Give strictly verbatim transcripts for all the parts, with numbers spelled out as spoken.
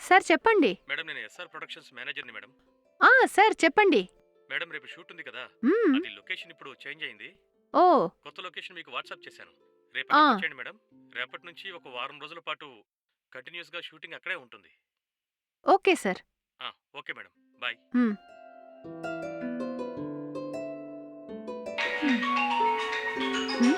Sir చెప్పండి. Madam నేను SR productions మేనేజర్ని మేడం. ఆ! సార్ చెప్పండి. మేడం రేపు షూట్ ఉంది కదా, హ్మ్. అది లొకేషన్ ఇప్పుడు చేంజ్ అయింది. ఓహ్! కొత్త లొకేషన్ మీకు వాట్సాప్ చేశాను. ఆ! రేపటికి వచ్చేయండి మేడం. రేపటి నుంచి ఒక వారం రోజుల పాటు కంటిన్యూస్గా షూటింగ్ అక్కడే ఉంటుంది. Okay sir. ఆ, ఓకే మేడం, బాయ్. హ్మ్. హ్మ్.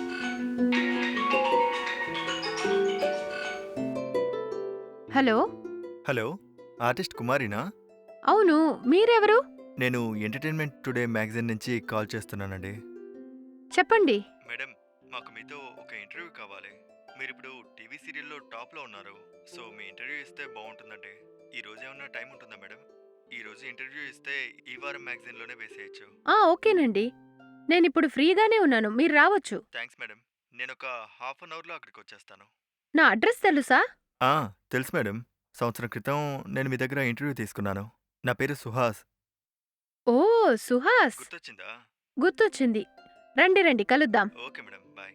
హలో! హలో! ఆర్టిస్ట్ కుమారినా? అవును. మీరెవరు? నేను ఎంటర్‌టైన్‌మెంట్ టుడే మ్యాగజైన్ నుంచి కాల్ చేస్తున్నానండి. చెప్పండి. మేడం, మాకు మీతో ఒక ఇంటర్వ్యూ కావాలి. మీరిప్పుడు టీవీ సీరియల్‌లో టాప్‌లో ఉన్నారు. సో, మీ ఇంటర్వ్యూ ఇస్తే బావుంటుందండి. ఈ రోజు ఏమన్నా టైం ఉంటుందా మేడం? ఈ రోజు ఇంటర్వ్యూ ఇస్తే ఈ వారం మ్యాగజైన్‌లోనే వేసేయొచ్చు. ఆ! ఓకేనండి. నేనిప్పుడు ఫ్రీగానే ఉన్నాను. మీరు రావచ్చు. Thanks madam. నేనొక హాఫ్ అన్ అవర్‌లో అక్కడికొచ్చేస్తాను. నా అడ్రెస్ తెలుసా? ఆ! తెలుసు మేడం. సంవత్సరం క్రితం నేను మీ దగ్గర ఇంటర్వ్యూ తీసుకున్నాను. నా పేరు సుహాస్. ఓహ్! సుహాస్. గుర్తొచ్చిందా? గుర్తొచ్చింది. రండి రండి కలుద్దాం. Okay madam. బాయ్.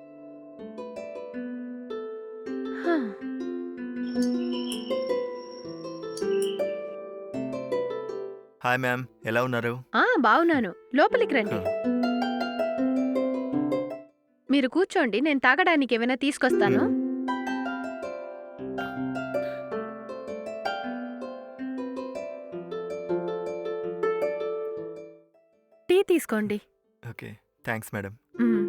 హా! Hi ma'am. ఎలా ఉన్నారు? ఆ! బావున్నాను. లోపలికి హ! రండి. మీరు కూర్చోండి. నేను తాగడానికి ఏమైనా తీసుకొస్తాను. హ్మ్. టీ తీసుకోండి. ఓకే. Thanks madam. హ్మ్.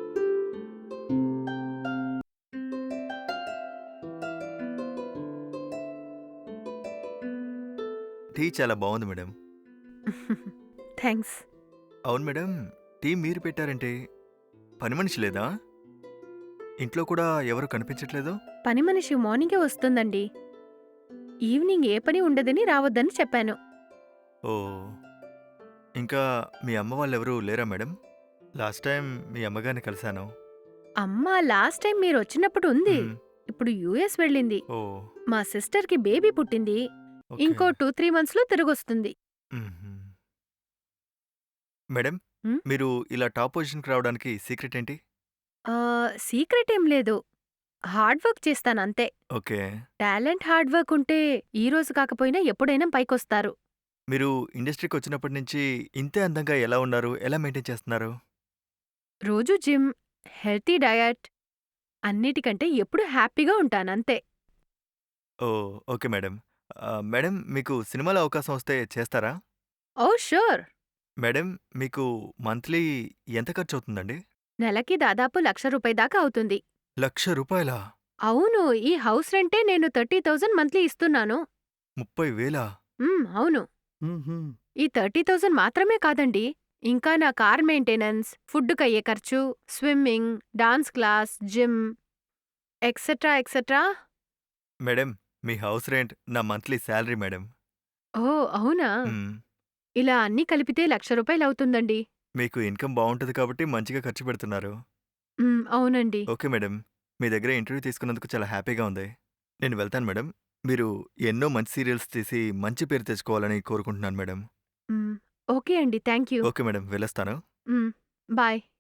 టీ చాలా బావుంది మేడం. థాంక్స్. అవును మేడం. టీ మీరు పెట్టారంటే పని మనిషి లేదా? ఇంట్లో కూడా ఎవరు కనిపించట్లేదు? పని మనిషి మార్నింగే వస్తుందండి. ఈవినింగ్ ఏ పని ఉండదని రావద్దని చెప్పాను. ఓహ్! ఇంకా మీ అమ్మ వాళ్ళెవరూ లేరా మేడం? లాస్ట్ టైం మీ అమ్మగారిని కలిసాను. అమ్మ లాస్ట్ టైం మీరొచ్చినప్పుడు ఉంది. హ్మ్. ఇప్పుడు యూఎస్ వెళ్ళింది. ఓహ్! మా సిస్టర్‌కి బేబీ పుట్టింది. ఓకే. ఇంకో రెండు, మూడు మంత్స్‌లో తిరిగొస్తుంది. హుహు. మేడం, హ్మ్. మీరు ఇలా టాప్ పొజిషన్‌కి రావడానికి సీక్రెట్ ఏంటి? ఆహ్, సీక్రెట్ ఏం లేదు. హార్డ్ వర్క్ చేస్తానంతే. ఓకే. టాలెంట్, హార్డ్ వర్క్ ఉంటే ఈ రోజు కాకపోయినా ఎప్పుడైనా పైకొస్తారు. మీరు ఇండస్ట్రీకొచ్చినప్పటి నుంచి ఇంతే అందంగా ఎలా ఉన్నారు? ఎలా మెయింటైన్ చేస్తున్నారు? రోజూ జిమ్, హెల్తీ డయట్ అన్నిటికంటే ఎప్పుడూ హ్యాపీగా ఉంటానంతే. ఓహ్! Okay madam. ఆహ్, మేడం మీకు సినిమాలో అవకాశం వస్తే చేస్తారా? ఓహ్! ష్యూర్. మేడం మీకు మంత్లీ ఎంత ఖర్చవుతుందండి? నెలకి దాదాపు లక్ష రూపాయి దాకా అవుతుంది. లక్ష రూపాయలా? అవును. ఈ హౌస్ రెంటే నేను ముప్పై వేలు మంత్లీ ఇస్తున్నాను. ముప్పై వేలా? హ్మ్. అవును. హుహు. ఈ ముప్పై వేలు మాత్రమే కాదండి. ఇంకా నా కార్ మెయింటెనెన్స్, ఫుడ్డుకయ్యే ఖర్చు, swimming, dance class, gym etcetera etcetera. Madam మీ హౌస్ రెంట్ నా మంత్లీ సాలరీ మేడం. ఓహ్! అవునా? హ్మ్. ఇలా అన్నీ కలిపితే లక్ష రూపాయలవుతుందండి. మీకు ఇన్‌కమ్ బావుంటది కాబట్టి మంచిగా ఖర్చు పెడుతున్నారు. హ్మ్. అవునండి. Okay madam. మీ దగ్గర ఇంటర్వ్యూ తీసుకున్నందుకు చాలా హ్యాపీగా ఉంది. నేను వెళ్తాను మేడం. మీరు ఎన్నో మంచి సీరియల్స్ తీసి మంచి పేరు తెచ్చుకోవాలని కోరుకుంటున్నాను మేడం. హ్మ్. ఓకే అండి. Thank you. Okay madam. వెళ్ళొస్తాను. హ్మ్. బాయ్.